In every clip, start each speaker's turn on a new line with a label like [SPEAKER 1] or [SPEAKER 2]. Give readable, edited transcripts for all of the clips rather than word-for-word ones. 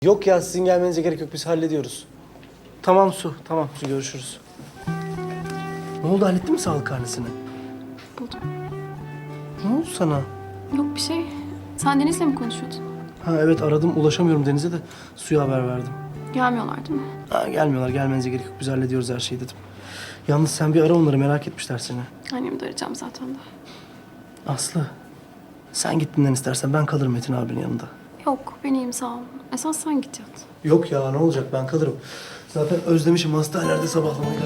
[SPEAKER 1] Yok ya, sizin gelmenize gerek yok. Biz hallediyoruz. Tamam Su, tamam Su, görüşürüz. Ne oldu, hallettin mi sağlık karnesini?
[SPEAKER 2] Buldum.
[SPEAKER 1] Ne oldu sana?
[SPEAKER 2] Yok bir şey. Sen Deniz'le mi konuşuyordun?
[SPEAKER 1] Ha evet, aradım, ulaşamıyorum Deniz'e de Su'ya haber verdim.
[SPEAKER 2] Gelmiyorlar değil mi?
[SPEAKER 1] Ha, gelmiyorlar, gelmenize gerek yok. Biz hallediyoruz her şeyi dedim. Yalnız sen bir ara onları, merak etmişler seni.
[SPEAKER 2] Annemi de arayacağım zaten de.
[SPEAKER 1] Aslı, sen git dinlen istersen, ben kalırım Metin abinin yanında.
[SPEAKER 2] Yok ben iyiyim sağ ol. Esas sen git yat.
[SPEAKER 1] Yok ya, ne olacak, ben kalırım. Zaten özlemişim hastanelerde sabahlamayla.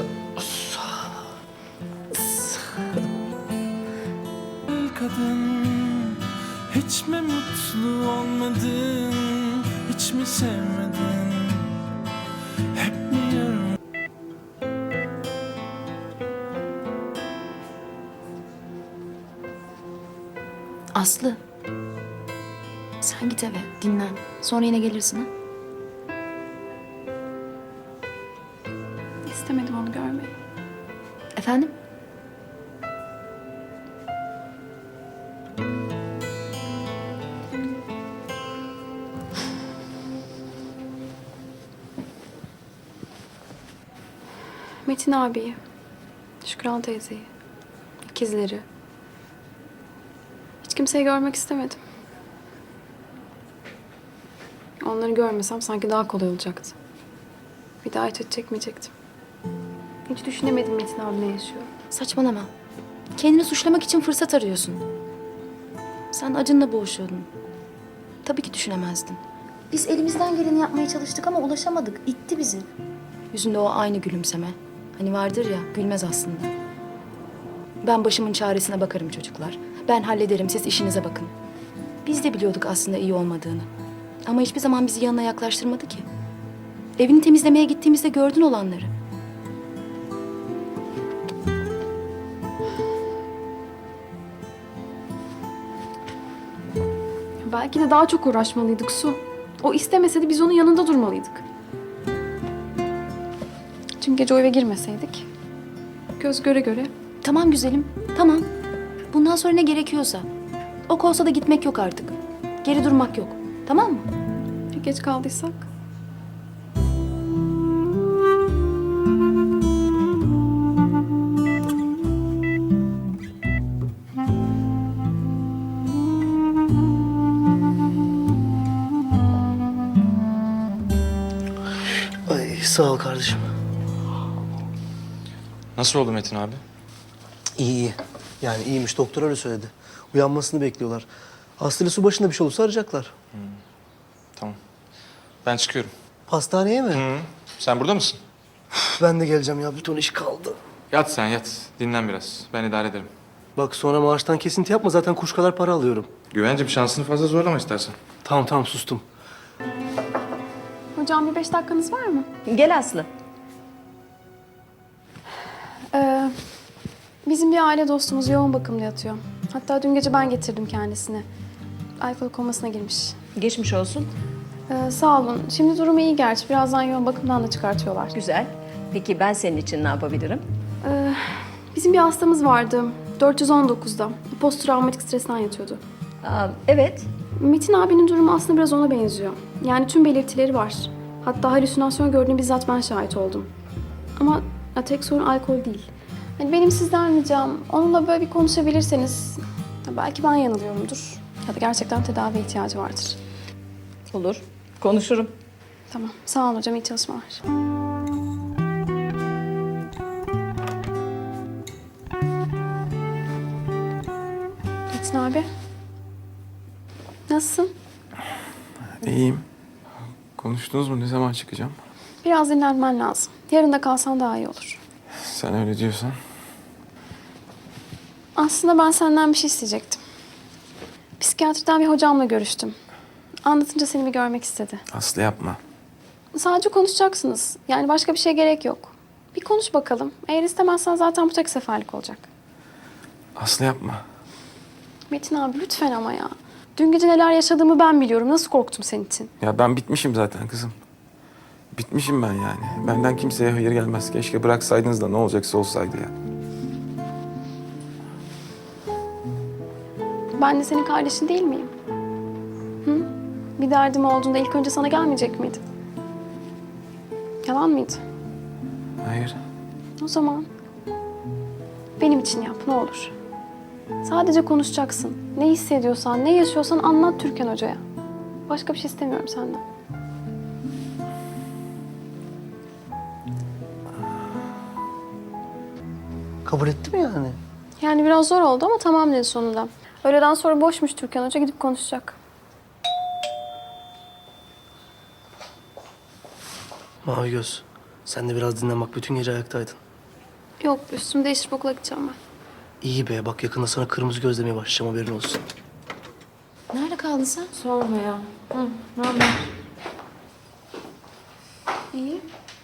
[SPEAKER 3] Kadın, hiç mi mutlu olmadın, hiç mi sevmedin, hep mi yarım?
[SPEAKER 4] Aslı. Sen git eve, dinlen. Sonra yine gelirsin ha.
[SPEAKER 2] İstemedim onu görmeyi.
[SPEAKER 4] Efendim?
[SPEAKER 2] Metin abiyi, Şükran teyzeyi, ikizleri. Hiç kimseyi görmek istemedim. Onları görmesem sanki daha kolay olacaktı. Bir daha hiç çekmeyecektim. Hiç düşünemedim Metin abi ne yaşıyor.
[SPEAKER 4] Saçmalama. Kendini suçlamak için fırsat arıyorsun. Sen acınla boğuşuyordun. Tabii ki düşünemezdin. Biz elimizden geleni yapmaya çalıştık ama ulaşamadık. İtti bizi. Yüzünde o aynı gülümseme. Hani vardır ya, gülmez aslında. Ben başımın çaresine bakarım çocuklar. Ben hallederim, siz işinize bakın. Biz de biliyorduk aslında iyi olmadığını. Ama hiçbir zaman bizi yanına yaklaştırmadı ki. Evini temizlemeye gittiğimizde gördün olanları.
[SPEAKER 2] Belki de daha çok uğraşmalıydık Su. O istemeseydi biz onun yanında durmalıydık. Çünkü gece o eve girmeseydik. Göz göre göre.
[SPEAKER 4] Tamam güzelim, tamam. Bundan sonra ne gerekiyorsa. Ok olsa da gitmek yok artık. Geri durmak yok. Tamam mı?
[SPEAKER 2] Ya geç kaldıysak?
[SPEAKER 1] Ay sağ ol kardeşim.
[SPEAKER 5] Nasıl oldu Metin abi?
[SPEAKER 1] İyi iyi. Yani iyiymiş, doktor öyle söyledi. Uyanmasını bekliyorlar. Aslı ile Su başında bir şey olursa arayacaklar.
[SPEAKER 5] Tamam. Ben çıkıyorum.
[SPEAKER 1] Hastaneye mi?
[SPEAKER 5] Hı. Sen burada mısın?
[SPEAKER 1] Ben de geleceğim ya, bir ton iş kaldı.
[SPEAKER 5] Yat sen yat. Dinlen biraz. Ben idare ederim.
[SPEAKER 1] Bak sonra maaştan kesinti yapma, zaten kuş kadar para alıyorum.
[SPEAKER 5] Güvencim şansını fazla zorlama istersen.
[SPEAKER 1] Tamam tamam, sustum.
[SPEAKER 2] Hocam bir 5 dakikanız var mı?
[SPEAKER 6] Gel Aslı.
[SPEAKER 2] Bizim bir aile dostumuz yoğun bakımda yatıyor. Hatta dün gece ben getirdim kendisini. Alkol komasına girmiş.
[SPEAKER 6] Geçmiş olsun.
[SPEAKER 2] Sağ olun. Şimdi durumu iyi gerçi. Birazdan yoğun bakımdan da çıkartıyorlar.
[SPEAKER 6] Güzel. Peki ben senin için ne yapabilirim?
[SPEAKER 2] Bizim bir hastamız vardı. 419'da. Posttraumatik stresten yatıyordu.
[SPEAKER 6] Evet.
[SPEAKER 2] Metin abinin durumu aslında biraz ona benziyor. Yani tüm belirtileri var. Hatta halüsinasyon gördüğüne bizzat ben şahit oldum. Ama tek sorun alkol değil. Hani benim sizden ricam onunla böyle bir konuşabilirseniz belki ben yanılıyorumdur. Ya da gerçekten tedavi ihtiyacı vardır.
[SPEAKER 6] Olur. Konuşurum.
[SPEAKER 2] Tamam. Sağ olun hocam. İyi çalışmalar. Metin abi. Nasılsın?
[SPEAKER 5] İyiyim. Konuştunuz mu? Ne zaman çıkacağım?
[SPEAKER 2] Biraz dinlenmen lazım. Yarın da kalsan daha iyi olur.
[SPEAKER 5] Sen öyle diyorsan.
[SPEAKER 2] Aslında ben senden bir şey isteyecektim. Psikiyatriden bir hocamla görüştüm. Anlatınca seni bir görmek istedi.
[SPEAKER 5] Aslı yapma.
[SPEAKER 2] Sadece konuşacaksınız. Yani başka bir şeye gerek yok. Bir konuş bakalım. Eğer istemezsen zaten bu tek seferlik olacak.
[SPEAKER 5] Aslı yapma.
[SPEAKER 2] Metin abi lütfen ama ya. Dün gece neler yaşadığımı ben biliyorum. Nasıl korktum senin için.
[SPEAKER 5] Ya ben bitmişim zaten kızım. Bitmişim ben yani. Benden kimseye hayır gelmez. Keşke bıraksaydınız da ne olacaksa olsaydı ya.
[SPEAKER 2] Ben de senin kardeşin değil miyim? Hı? Bir derdim olduğunda ilk önce sana gelmeyecek miydi? Yalan mıydı?
[SPEAKER 5] Hayır.
[SPEAKER 2] O zaman benim için yap ne olur. Sadece konuşacaksın. Ne hissediyorsan, ne yaşıyorsan anlat Türkan Hoca'ya. Başka bir şey istemiyorum senden.
[SPEAKER 1] Kabul etti mi yani?
[SPEAKER 2] Yani biraz zor oldu ama tamam dedi sonunda. Öğleden sonra boşmuş Türkan Hoca, gidip konuşacak.
[SPEAKER 1] Mavi göz. Sen de biraz dinlen bak. Bütün gece ayaktaydın.
[SPEAKER 2] Yok, üstümü değiştirip okula gideceğim ben.
[SPEAKER 1] İyi be. Bak yakında sana kırmızı göz demeye başlayacağım. Haberin olsun.
[SPEAKER 4] Nerede kaldın sen?
[SPEAKER 6] Sorma ya. Hı, ne haber?
[SPEAKER 2] İyi.